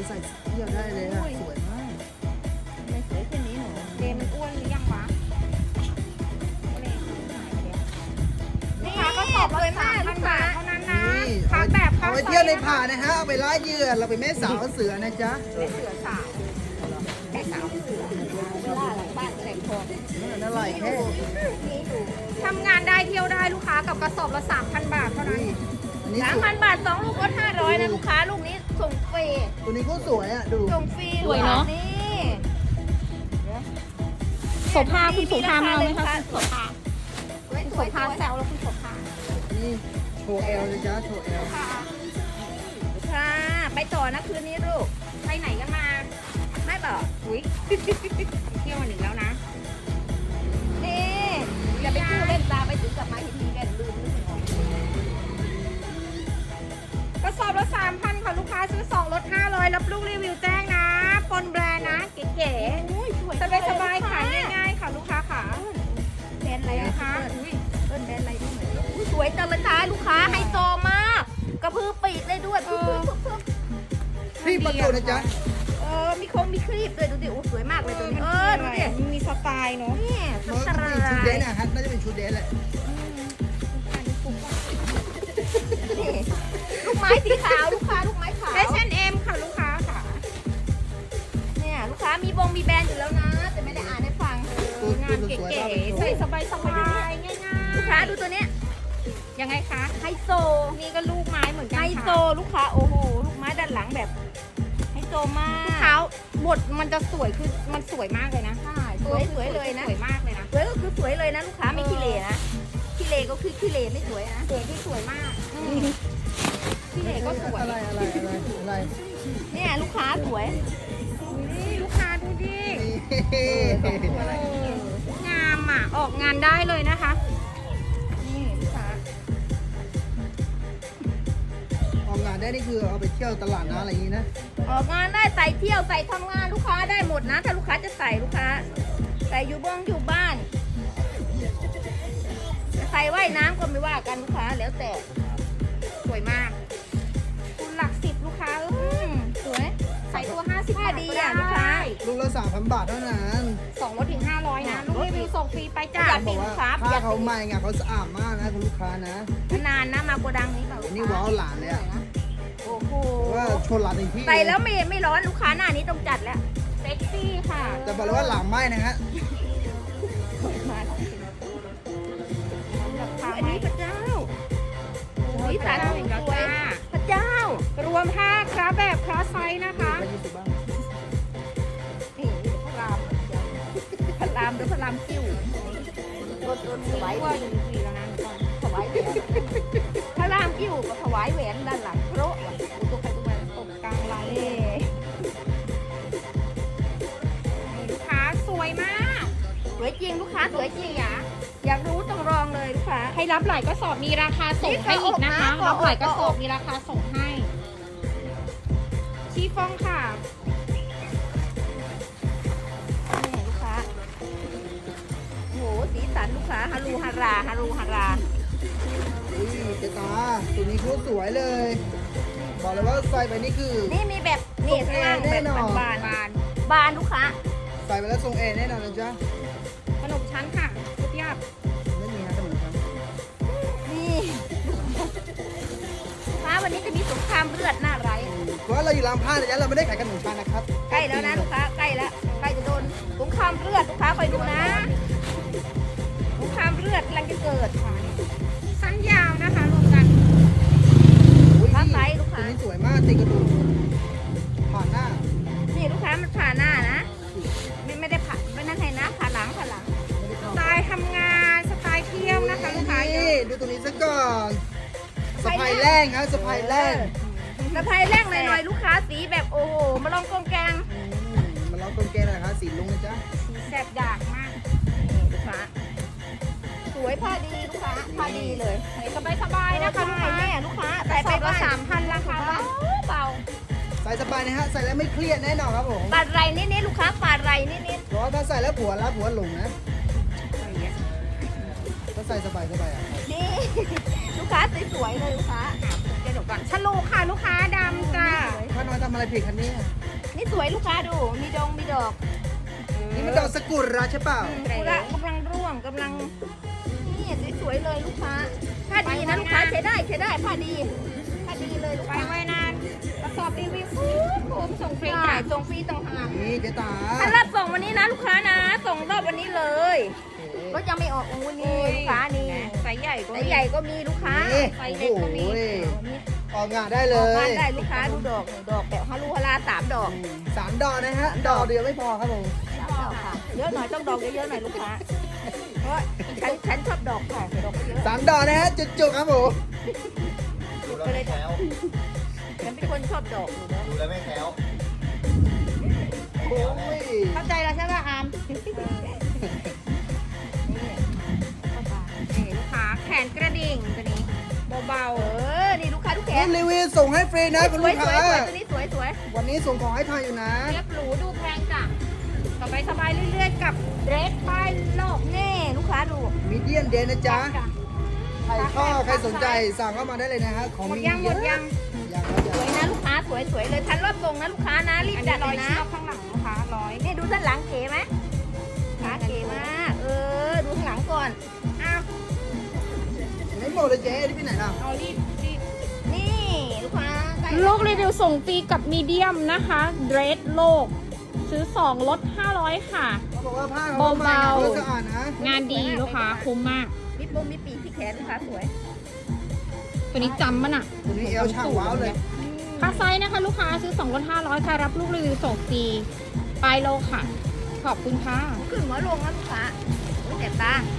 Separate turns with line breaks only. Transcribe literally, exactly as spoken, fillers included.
ใส่เที่ยวได้เลยอะสวยมาก
ไม่สวยเช่นนี้หนูเจมันอ้วนหรือยังวะนี่ก็สอบเลยมากลูกค้าเท่านั้นนะ
นี่
พักแบบ
เอาไปเที่ยวในป่านะฮะเอาไปล่าเหยื่อเราไปแม่สาวเสือนะจ๊ะ
เป็นเสือสาวแม่สาวเสือล่าหลังบ้านแสงทอง
นั่นอร่อยแค่
นี่ดูทำงานได้เที่ยวได้ลูกค้ากับกระสอบละสามพันบาทเท่านั้น
อันนี้
สาม
สว
พั
ย
นบาทสองลูกลดห้าร้อยนะลูกค้าลูกนี้ส่งฟรี
ตัวนี้ก็สวยอ่ะดู
ส่งฟรี
สวยเนอะ
นี่
โสภาคุณโสภามาเอาไหมคะโสภา
สวย
โส
สวย
ภาแซวแล้วคุณโสภา
นี่โชว์เอลเลยจ้ะโชว์เอล
ค่ะค่ะไปต่อนะคืนนี้ลูกไปไหนกันมาไม่บอกอุ้ยเที่ยววันหนึ่งแล้วนะนี่อย่าไปกู้เล่นตาไปถึงกลับมาทีทีเล่นลืมลืมของกระสอบละสามพันค่ะลูกค้าซื้อสองลดห้าร้อยรับลูกรีวิวแจ้งนะปนแบรนด์นะเก๋ๆสบายสบายๆขายง่ายๆค่ะลูกค้าค่ะแบรนด์อะไรนะคะอุ้ยเอิ้นแบรนด์อะไรด้วยเหมือนอุ๊ยสวยจังเลยค่ะลูกค้าไฮโซมากกระพือปีกได้ด้วยปึ๊บปึ๊บปึ๊บปึ๊บ
พี่ประตูนะจ๊ะ
เออมีโครงมีครีบด้วยดูดิโอ้สวยมากเลยตัวนี้เออดูดิ
มันมีสไตล์เนาะ
นี่ส
มัน
ต
ก็
รา
เป็นชุดเดนนะฮะน่าจะเป็นชุดเดนแหละ
นี่ลูกไม้สีขาวลูกค้าลูกไม้ขาว
เอชแอนด์เอ็มค่ะลูกค้าค่ะ
เนี่ยลูกค้ามีบงมีแบรนด์อยู่แล้วนะ แต่ไม่ได้อ่านให้ฟัง
ตัว
งา
ตัวน สวย
เก๋
ๆ
ๆใส่สบายสบายๆง่ายๆ
ลูกค้าดูตัวเนี้ย
ยังไงคะ
ไฮโซ
นี่ก็ลูกไม้เหมือนกั
ไฮ
น
โซ
ค่ะ
ลูกค้าโอ้โหลูกไม้ด้านหลังแบบไฮโซมาก
เท้าบทมันจะสวยคือมันสวยมากเลยนะ
ใช่สวยสวยเลยนะ
สวยมากเลยนะ
สวยก็คือสวยเลยนะลูกค้าไม่ขี้เหร่นะขี้เหร่ก็คือขี้เหร่ไม่สวยนะ
สวยที่สวยมาก
ขี้เหร่ก็สวย
อะไรอะไรอะไรอะไร
เนี่ยลูกค้าสวย
นี่ลูกค้าดูดิ
นี่
งามอ่ะออกงานได้เลยนะคะ
นี่ลูกค้า
ออกงานได้นี่คือเอาไปเที่ยวตลาดนะอะไรอย่างนี้นะ
ออกงานได้ใส่เที่ยวใส่ทำงานลูกค้าได้หมดนะ ถ้าลูกค้าจะใส่ลูกค้า ใส่อยู่บ้องอยู่บ้านจะใส่ว่ายน้ำก็ไม่ว่ากันลูกค้าแล้วแต่
สวยมาก คุณหลักสิบลูกค้าเอ้
อื
ย
มสวย
ใส่ตัวห้าสิบ
ผ้า
บาท
ดี
ก็
อ่ะ
ได้
ลูกค้า
ลูกละสามพันบาทเท่านั้น
สองลดถึงห้าร้อยนะ ลูกรีวิวส่งฟรีไปจ้า
อยาก
บอกว่าผ้าเขาใหม่ไงเขาสะอาดมากนะคุณลูกค้านะ
นานนะมาโกดังนี้เปล่า
อันนี้ว้าวหลานเลยอะ
โอ้โห
เพราะว่าชนหลานในที่
ใส่แล้วไม่ไม่ร้อนลูกค้าหน้านี้ต้องจัดแล้ว
เซ็กซี่ค่ะ
แต่บอกเลยว่าหลังไหม้นะฮะ
มา
ราคา
อันนี้พระเจ้าสีสันสวย
จ้า
พระเจ้า
รวมผ้าคราแบบคราไซส์นะคะ
ไปยี่สิบบ้าง
นี่พระรามพระรามหรือพระรามคิ้วรถรถถวาย
ว่าอยู่สี่แล้วนะก่อน
ถวายแหวนพระรามคิ้วก็ถวายแหวนด้านหลังโปรอ่ะอุตุใครตุมา
ตกกลางไหล
เอ๊ะ
นี่ลูกค้าสวยมาก
สวยจริงลูกค้าสวยจริงอ่ะอยากรู้ต้องลองเลยลูกค้า
ให้รับหลายกระสอบมีราคาส่งให้อีกนะคะ
นี่ก็ออกนะ
รับหลายกระส
ก็
อ
อบ อก
มีราคาส่งให้ ชีฟองค่ะ
นี่ลูกค้าโหสีสันลูกค้าฮารูฮาราฮารูฮารา
อุ้ยเจ๊ตาตัวนี้เขาสวยเลย บอกเลยว่าใส่ไปนี่คือ
นี่มีแบบนี่ข้างล่าง
แน่
แบบ
นอน
บาน
บาน
ๆบานลูกค้า
ใส่ไปแล้วทรงเอแน่นอนนะจ๊ะ
ขนมชั้นค่ะทุกยาบ
ไม่มีฮะขนมครับ
นี่ฟ้าวันนี้จะมีสงครามเลือดหน้าไร
เพราะว่าเราอยู่ลำพานนะจ๊ะเราไม่ได้ขายขนมชานะครับ
ใกล้แล้วนะลูกค้าใกล้แล้วใกล้จะโดนสงครามเลือดลูกค้าคอยดูนะสงครามเลือดกำลังจะเกิดค่ะ
สั้นยาวนะคะรวมกัน
อุ้ย
ฟ้าไซส์ลูก
ตัว
ค้า
นี้สวยมากติดกระดูกผ่านหน้า
นี่ลูกค้ามันผ่าหน้านะไม่ไม่ได้ผ่าไม่นั่นให้นะผ่าหลังผ่าหลัง
ไม่ได้
ส
เข้า
ไตล์ทำงานสไตล์เที่ยวนะคะลูกค้าเย
นี่
อะ
ดูตัวนี้ซะก่อนสะพายแรงครับสะพายแรง
สะพายแรงหน่อยๆลูกค้าสีแบบโอ้โหมาลองกองแกง
อืมมาลองต้นแกงหนะครับสีลุงนะจ๊ะ
แสบอยากมาก
นี่ลูกค้าสวยผ้าดีลูกค้าผ้าดีเลย
ใส่สบายๆนะคะลูก
ใส่
ค้า
แม่ลูกค้า
ใส่
ใส่
ไป
ไป
ละ
บ้าน
สามพันราคา
เบาเบา
ใส่สบายนะฮะใส่แล้วไม่เครียดแน่นอนครับผม
ปาดไรนิดนิดๆลูกค้าปาดไรนิดนิด
เพราะว่าถ้าใส่แล้วผัวรักผัวหลงนะถ้าใส่สบายสบายอ่ะ
ๆนี่ ลูกค้าสวยๆเลยลูกค้าจะเดี๋ยวก่อนฉลูค่ะลูกค้าดำจ้า
ถ้าน้อยทำอะไรผิดคันนี้
นี่สวยลูกค้าดู มีดงมีดอก
นี่มันดอกสกุลราใช่เปล่า
กุระกำลังร่วงกำลัง นี่สวยๆเลยลูกค้าผ้าดีนะลูกค้าใช้ได้ใช้ได้ผ้าดีผ้าดีเลยลูก
ไป
ค้า
ไว้นานกระสอบรีวิวฟูฟูส่งฟรี
จ่า
จ้ะ
ยส่งฟรีต่างหาก
นี่เจ๊ตา
ถ้ารอบส่งวันนี้นะลูกค้านะ ส่งรอบวันนี้เลยรถยังไม่ออกอู้นี่ลูกค้านี่
ไซส์ใหญ่ก็
ไซส์ใหญ่ก็มีลูกค้า
นี่
ไซส์
โอ้
เล็กก็มี
โหออกงานได้เล
ออก
ย
งานได้ลูกค้าดูดอกนี่ดอกแบบฮารุฮาราสามดอก
สามดอกนะฮะ ดอกเดียวไม่พอครับผม
สามดอกค่ะเยอะหน่อยต้องดอกเยอะๆหน่อยลูกค้าเพราะฉันฉันชอบดอกค่ะดอกเยอะ
สามดอกนะฮะ จุกๆครับผม
ดูแล้วไม่แคล้ว
ฉันเป็นคนชอบดอกอยู่แล้ว
ดูแล้วไม่แคล้ว
โอ้ย
เข้าใจแล้วใช่ไหมอาม
นี่ลูกค้าแขนกระดิ่งตัวนี้เบา
เออนี่ลูกค้าทุกแข
นี่
น
รีวิวส่งให้ฟรีนะคุณ
ส
ลู
วย
ก
สวย
ค้า
สวยตัวนี้สวยสวย
วันนี้ส่งของให้ทานอยู่นะ
ๆเรียบหรูดูแพงจ้ะสบายสบายๆเรื่อยๆกับเดรสป้ายโลก
แน่ลูกค้าดู
มีเดียนเดนนะจ๊ะ
จ้ะ
ใครชอบใครสนใจสั่งเข้ามาได้เลยนะฮะ ของ
หมด
มี
ยังหมดยัง
ยังครับ
ส
ยัง
วยนะลูกค้าสวยสวยเลยทันรอบส่งนะลูกค้านะรีบ
อัน
จั
นี้
ด
ร้
เล
อย
ยนะ
เชือกข้างหลังลูกค้าร้อย
นี่ดูด้านหลังเก๋ไหมขาเก๋มากเออดูข้างหลังก่อน
อ้าว
ไม่หมดเลยเจ๊ที่ไปไหนล่ะ
เอารีบรีบ
นี่ลูกค้าใกล้
ลูกรีวิวส่งฟรีกับมีเดียมนะคะเดรสโลก ซื้อสองลดห้าร้อยค่ะ
เขาบอกว่าผ้าเขาใหม่
เบาๆ
เขาสะอาดนะ
งานดีลูกค้าคุ้มมาก
มีปมมีปีกที่แขนลูกค้าสวย
ตัวนี้จำมันอ่ะ
ตัวนี้เอลช่างว้าวเลย
ค่าไซส์นะคะ ลูกค้าซื้อสองลดห้าร้อยค่ะรับลูกรีวิวส่งฟรีปลายโลค่ะ ขอบคุณค่ะ
ขึ้นหัวลงนะลูกค้าโอ้ยเจ็บตา